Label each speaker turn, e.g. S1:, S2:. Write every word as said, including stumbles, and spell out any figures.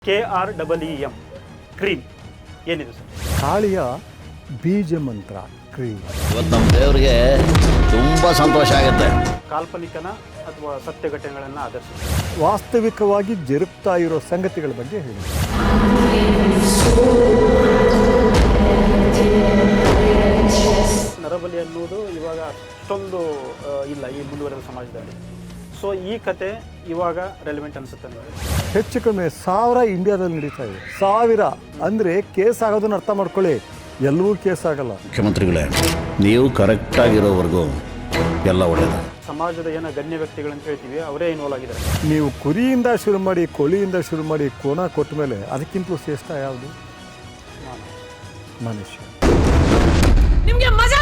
S1: K R double E M ಕ್ರೀಮ್ ಏನಿದೆ sir?
S2: ಕಾಳಿಯ ಬೀಜ ಮಂತ್ರ ಕ್ರೀಮ್.
S3: ಇವತ್ತು ನಮ್ಮ ದೇವರಿಗೆ ತುಂಬ ಸಂತೋಷ ಆಗುತ್ತೆ.
S1: ಕಾಲ್ಪನಿಕನ ಅಥವಾ ಸತ್ಯ ಘಟನೆಗಳನ್ನು ಆಧರಿಸಿ
S2: ವಾಸ್ತವಿಕವಾಗಿ ಜರುಗ್ತಾ ಇರೋ ಸಂಗತಿಗಳ ಬಗ್ಗೆ ಹೇಳಿ.
S1: ನರಬಲಿ ಅನ್ನೋದು ಇವಾಗ ಅಷ್ಟೊಂದು ಆ, ಇಲ್ಲ ಈ ಮುಂದುವರೆದ ಸಮಾಜದಲ್ಲಿ. ಸೊ ಈ ಕತೆ ಇವಾಗ ರೆಲಿವೆಂಟ್ ಅನಿಸುತ್ತೆ ನನಗೆ.
S2: ಹೆಚ್ಚು ಕಡಿಮೆ ಸಾವಿರ ಇಂಡಿಯಾದಲ್ಲಿ ನಡೀತಾ ಇದೆ. ಸಾವಿರ ಅಂದರೆ ಕೇಸ್ ಆಗೋದನ್ನ ಅರ್ಥ ಮಾಡ್ಕೊಳ್ಳಿ. ಎಲ್ಲವೂ ಕೇಸ್ ಆಗಲ್ಲ.
S3: ಮುಖ್ಯಮಂತ್ರಿಗಳೇ, ನೀವು ಕರೆಕ್ಟಾಗಿರೋವರೆಗೂ ಎಲ್ಲ ಒಳ್ಳೆಯದು.
S1: ಸಮಾಜದ ಏನೋ ಗಣ್ಯ ವ್ಯಕ್ತಿಗಳಂತ ಹೇಳ್ತೀವಿ, ಅವರೇ ಇನ್ವಾಲ್ವ್ ಆಗಿದ್ದಾರೆ.
S2: ನೀವು ಕುರಿಯಿಂದ ಶುರು ಮಾಡಿ, ಕೋಳಿಯಿಂದ ಶುರು ಮಾಡಿ, ಕೋಣ ಕೊಟ್ಟ ಮೇಲೆ ಅದಕ್ಕಿಂತಲೂ ಶ್ರೇಷ್ಠ ಯಾವುದು?
S1: ನಾನು
S2: ಮನುಷ್ಯ.
S4: ನಿಮ್ಗೆ ಮಜಾ